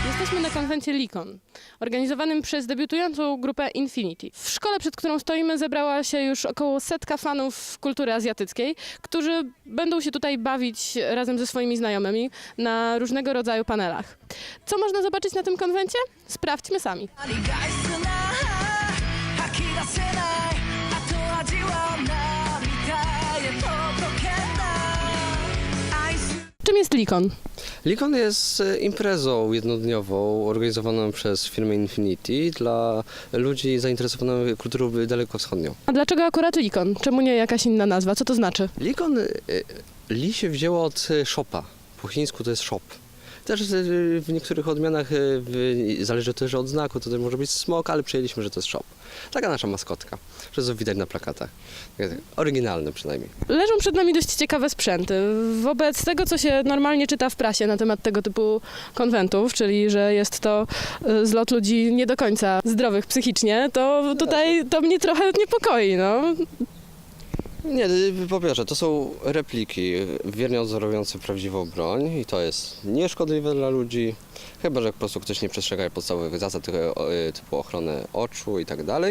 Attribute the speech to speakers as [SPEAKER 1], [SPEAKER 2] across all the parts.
[SPEAKER 1] Jesteśmy na konwencie Likon, organizowanym przez debiutującą grupę Infinity. W szkole, przed którą stoimy, zebrała się już około 100 fanów kultury azjatyckiej, którzy będą się tutaj bawić razem ze swoimi znajomymi na różnego rodzaju panelach. Co można zobaczyć na tym konwencie? Sprawdźmy sami. Czym jest Likon?
[SPEAKER 2] Likon jest imprezą jednodniową organizowaną przez firmę Infinity dla ludzi zainteresowanych kulturą dalekowschodnią.
[SPEAKER 1] A dlaczego akurat Likon? Czemu nie jakaś inna nazwa? Co to znaczy?
[SPEAKER 2] Likon, li się wzięło od shopa. Po chińsku to jest shop. Też w niektórych odmianach zależy też od znaku, to też może być smok, ale przyjęliśmy, że to jest shop. Taka nasza maskotka, że to widać na plakatach. Oryginalne przynajmniej.
[SPEAKER 1] Leżą przed nami dość ciekawe sprzęty. Wobec tego, co się normalnie czyta w prasie na temat tego typu konwentów, czyli że jest to zlot ludzi nie do końca zdrowych psychicznie, to tutaj to mnie trochę niepokoi, no.
[SPEAKER 2] Nie, po pierwsze, to są repliki wiernie odwzorowujące prawdziwą broń i to jest nieszkodliwe dla ludzi, chyba że po prostu ktoś nie przestrzega podstawowych zasad typu ochrony oczu i tak dalej.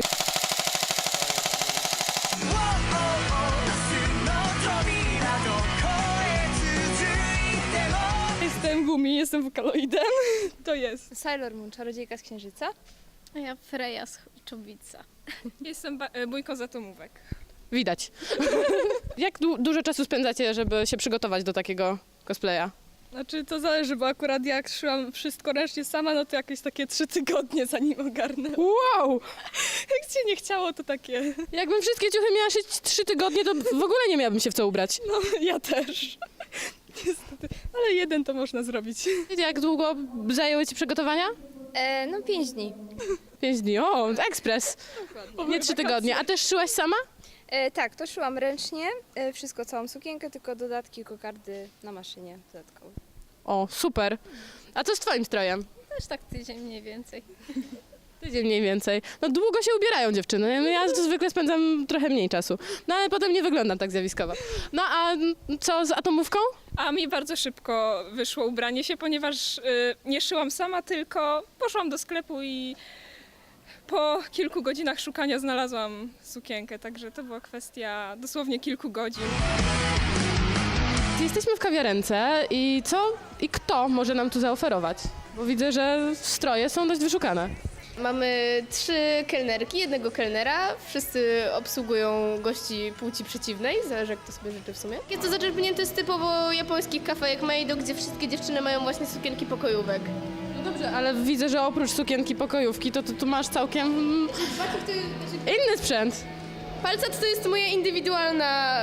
[SPEAKER 1] Jestem Gumi, jestem wokaloidem. To jest.
[SPEAKER 3] Sailor Moon, czarodziejka z Księżyca.
[SPEAKER 4] A ja Freja z Czubica.
[SPEAKER 5] Jestem bójką z atomówek.
[SPEAKER 1] Widać. Jak dużo czasu spędzacie, żeby się przygotować do takiego cosplaya?
[SPEAKER 5] Znaczy to zależy, bo akurat jak szłam wszystko ręcznie sama, no to jakieś takie 3 tygodnie zanim ogarnę.
[SPEAKER 1] Wow!
[SPEAKER 5] Jak się nie chciało, to takie.
[SPEAKER 1] Jakbym wszystkie ciuchy miała szyć 3 tygodnie, to w ogóle nie miałabym się w co ubrać.
[SPEAKER 5] No ja też. Niestety. Ale jeden to można zrobić.
[SPEAKER 1] Jak długo zajęły ci przygotowania?
[SPEAKER 3] No 5 dni.
[SPEAKER 1] 5 dni. O, ekspres. Nie 3 tygodnie. A też szyłaś sama?
[SPEAKER 3] Tak, to szyłam ręcznie, wszystko, całą sukienkę, tylko dodatki, kokardy na maszynie dodatkowo.
[SPEAKER 1] O, super. A co z twoim strojem?
[SPEAKER 4] Też tak tydzień mniej więcej.
[SPEAKER 1] Tydzień mniej więcej. No długo się ubierają dziewczyny. No, ja to zwykle spędzam trochę mniej czasu. No ale potem nie wyglądam tak zjawiskowo. No a co z atomówką?
[SPEAKER 5] A mi bardzo szybko wyszło ubranie się, ponieważ nie szyłam sama, tylko poszłam do sklepu i po kilku godzinach szukania znalazłam sukienkę, także to była kwestia dosłownie kilku godzin.
[SPEAKER 1] Jesteśmy w kawiarence i co i kto może nam tu zaoferować? Bo widzę, że stroje są dość wyszukane.
[SPEAKER 6] Mamy 3 kelnerki, jednego kelnera. Wszyscy obsługują gości płci przeciwnej, zależy jak to sobie życzy w sumie. Jest to zaczerpnięte z typowo japońskich kafejek Meido, gdzie wszystkie dziewczyny mają właśnie sukienki pokojówek.
[SPEAKER 1] No dobrze, ale widzę, że oprócz sukienki pokojówki, to tu masz całkiem inny sprzęt.
[SPEAKER 6] Palcat to jest moja indywidualna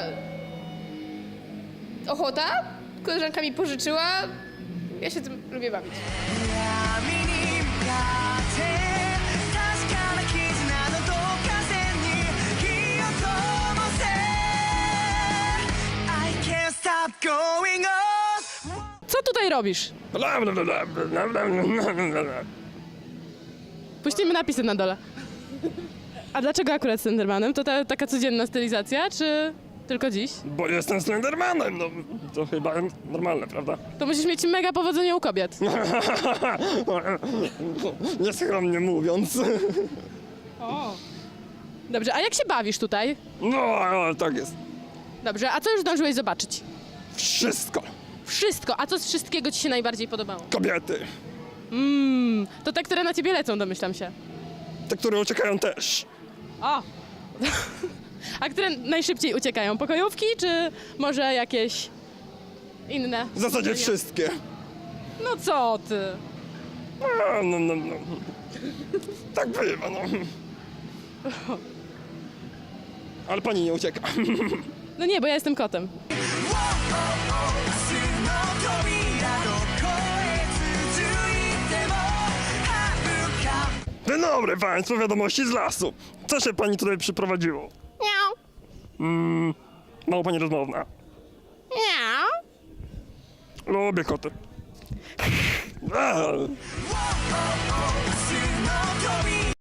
[SPEAKER 6] ochota. Koleżanka mi pożyczyła. Ja się tym lubię bawić.
[SPEAKER 1] Co tutaj robisz? Puścimy napisy na dole. A dlaczego akurat Slendermanem? To taka codzienna stylizacja, czy tylko dziś?
[SPEAKER 7] Bo jestem Slendermanem, no to chyba normalne, prawda?
[SPEAKER 1] To musisz mieć mega powodzenie u kobiet.
[SPEAKER 7] Nieskromnie mówiąc.
[SPEAKER 1] Dobrze, a jak się bawisz tutaj?
[SPEAKER 7] No, tak jest.
[SPEAKER 1] Dobrze, a co już zdążyłeś zobaczyć?
[SPEAKER 7] Wszystko.
[SPEAKER 1] Wszystko. A co z wszystkiego ci się najbardziej podobało?
[SPEAKER 7] Kobiety.
[SPEAKER 1] To te, które na ciebie lecą, domyślam się.
[SPEAKER 7] Te, które uciekają też.
[SPEAKER 1] O! A które najszybciej uciekają? Pokojówki, czy może jakieś inne?
[SPEAKER 7] W zasadzie wszystkie.
[SPEAKER 1] No co ty?
[SPEAKER 7] No. Tak bywa, no. Ale pani nie ucieka.
[SPEAKER 1] No nie, bo ja jestem kotem.
[SPEAKER 7] Dzień dobry państwu, wiadomości z lasu. Co się pani tutaj przyprowadziło?
[SPEAKER 1] Miau.
[SPEAKER 7] Mało pani rozmowna.
[SPEAKER 1] Miau.
[SPEAKER 7] Lubię koty.